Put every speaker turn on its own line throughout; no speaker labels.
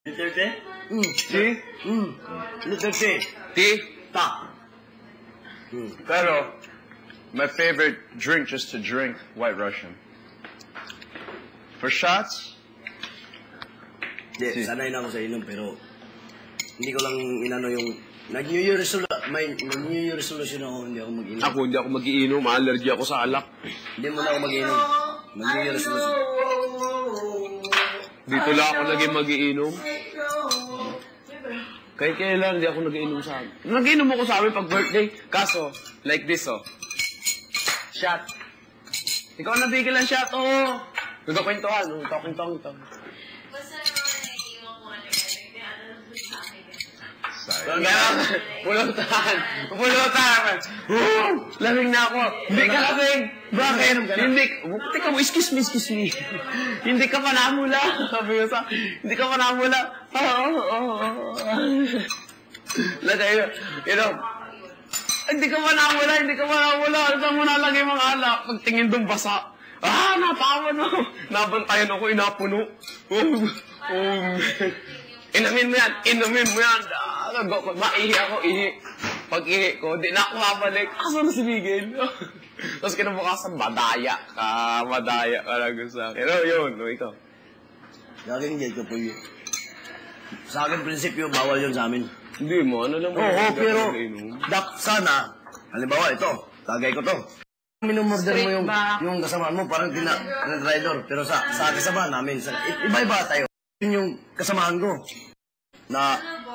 Letter T?
T?
Letter T.
T?
Ta.
Pero, my favorite drink just to drink, White Russian. For shots?
Hindi, sanay na ako sa inom, pero hindi ko lang inano yung... Nag-New Year resolution ako, hindi ako mag-inom.
Ako, hindi ako mag-iinom. Allergy ako sa alak.
Hindi mo na ako mag-inom. Mag-New Year resolution.
Dito lang ako naging mag-iinom. Kahit kailan, hindi ako nag-iinom sa amin. Nag-iinom ako sa amin pag birthday. Kaso, like this, oh. Shot. Ikaw nabigil ang shot, oh. Nagkakwentuhan, oh. Nagkakwentuhan ito.
Basta naman naiiwan ko ano yan. Nagtiano lang sa akin.
Pulutan! Pulutan! Lamig na ako! Hindi ka lamig! Bakit? Hindi! Teka mo, excuse me. Hindi ka pa namula! Sabi ko sa, hindi ka pa namula! Lagay yun. Hindi ka pa namula! Saan mo nalagay mga alak? Pagtingin doon basa. Napawan mo! Nabantayan ako, inapuno. Inumin mo yan. Maihi ako, ihi. Pag ihi ko, di na ako mabalik. Asa na si Miguel? Tapos kinabukasan, madaya ka lang sa akin. Pero yun, ikaw.
Gagawin hindi ko po yun. Sa akin, prinsipyo, bawal yun sa amin.
Hindi mo, ano lang mo.
Oo, pero, sana, halimbawa, ito, tagay ko to. Minumorder mo yung kasamaan mo, parang tina-rider. Pero sa kasamaan namin, iba-iba tayo. Yun yung kasamaan ko. Na,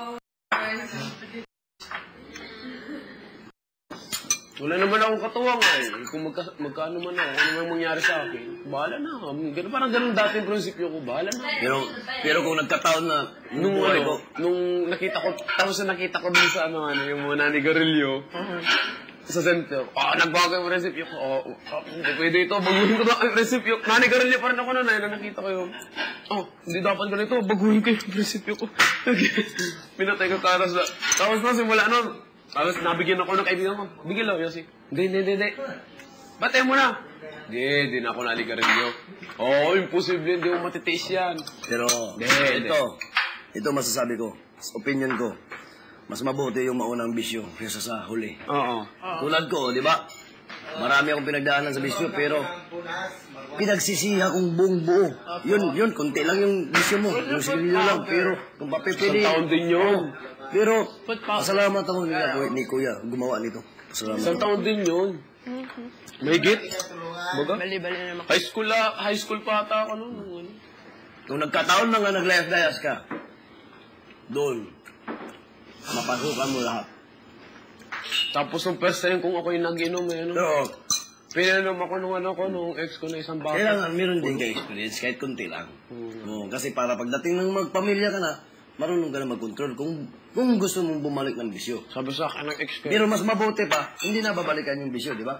wala naman akong katuwang eh. Kung magkano man ako, ano man mangyari sa akin, bahala na ako. Parang ganun dati yung prinsipyo ko, bahala na.
pero kung nagkataon na,
nung nakita ko, tapos na nakita ko dun sa yung mga nanigarilyo, sa center, nagbago yung prinsipyo ko, hindi pwede ito, baguhin ko na yung prinsipyo. Nanigarilyo pa rin ako na nakita ko yung, hindi dapat ganito, baguhin ko yung prinsipyo ko. Pinatay ko karas na. Tapos na, simula nun, tapos nabigyan ako ng kaibigan ko. Bigyan lang, Yossi. Hindi. Batay mo na. Hindi na ako naligarilyo. Imposible, hindi mo matitiis yan.
Pero, ito masasabi ko, opinion ko, mas mabuti yung maunang bisyo kaysa sa huli.
Oo.
Tulad ko, di ba? Marami akong pinagdaanan sa bisyo, pero pinagsisiha kong buong buo. Yun, konti lang yung bisyo mo. Yung sigarilyo lang, pero kung papipili.
Isang taon din yun.
Pero, pasalamat ako ni Kuya, gumawa nito. Pasalamat
Isang
ako.
taon din yun. Mahigit? Baga?
Bali-bali naman.
High school pa ata ako noon.
Kung nagkataon na nga nag-life-dias ka, doon, mapasukan mo lahat.
Tapos yung first time kung ako yung nag-inom,
Oo.
pinanom ako nung ex ko na isang bata.
Kailangan meron din ka-experience, kahit kunti lang. Oo, kasi para pagdating ng magpamilya ka na, marunong ka na mag-control kung gusto mong bumalik ng bisyo.
Sabi sa akin ng ex ko.
Pero mas mabuti pa, hindi na babalikan yung bisyo, di ba?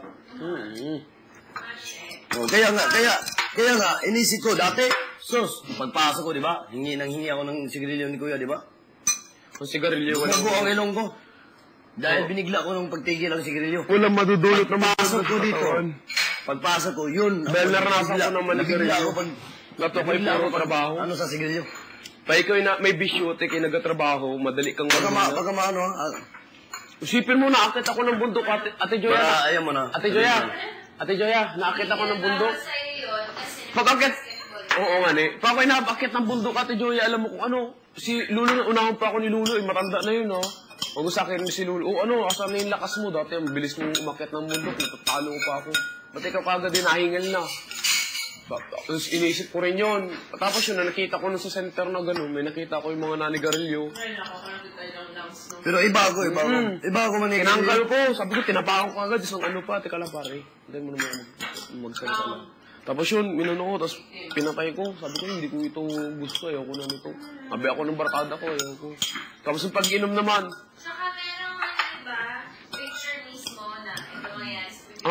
Kaya nga, inisip ko dati, pagpasok ko, di ba? Hingi ako ng sigarilyo ni Kuya, di ba?
Kung sigarilyo,
Nago ang ilong ko. Dahil binigla ko nung pagtigil ang sigarilyo.
walang madudulot na
Pagpasok ko dito, pagpasok ko, yun.
Dahil naranasan ko naman
nabigla ako pag...
Natukoy puro trabaho.
Ano sa sigarilyo?
Pa ikaw may bisyote kayo nagtatrabaho, madali kang
Pagka maano,
Isipin mo, naakit ako ng bundok, Ate Joya.
ayaw mo na.
Ate Joya, naakit ako ng bundok.
Sa'yo yun, kasi
Pag-akit, oo nga pag ako'y naakit ng bundok, Ate Joya, alam mo kung ano, si Lulo, unahan pa ako ni Lulo, matanda na yun, Huwag sa akin si Lulo, asan na yung lakas mo, dati ang bilis mong umakit ng bundok, natatalo pa ako. Ba't ikaw kagad din nahingal na? Tapos inisip ko rin yun. Tapos yun, nakita ko nun sa center na gano'n, may nakita ko yung mga nanigarilyo.
Pero iba ako manigarilyo.
Tinanggal ko, sabi ko, tinapakan ko agad, isang pa, teka lang pare. Hindi mo naman magsalita lang. Tapos yun, minano ko, tapos pinatay ko. Sabi ko, hindi ko ito gusto, ayoko na nito. Sabi ako ng barkada ko, ayoko. Tapos yung pag-inom naman.
Tsaka merong iba, picture mismo na ito nga yan.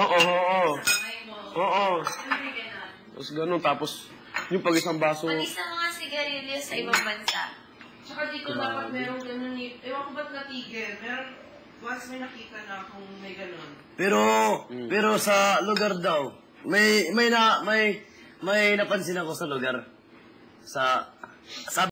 Oo. Tapos gano'n, tapos yung pag-isang baso.
Pag-isa mga sigarilyo sa ibang bansa.
Tsaka di ko dapat merong ganun eh. Ewan ko ba't natigil. Meron, once may nakita na kung may ganun.
Pero sa lugar daw, may napansin ako sa lugar. Sa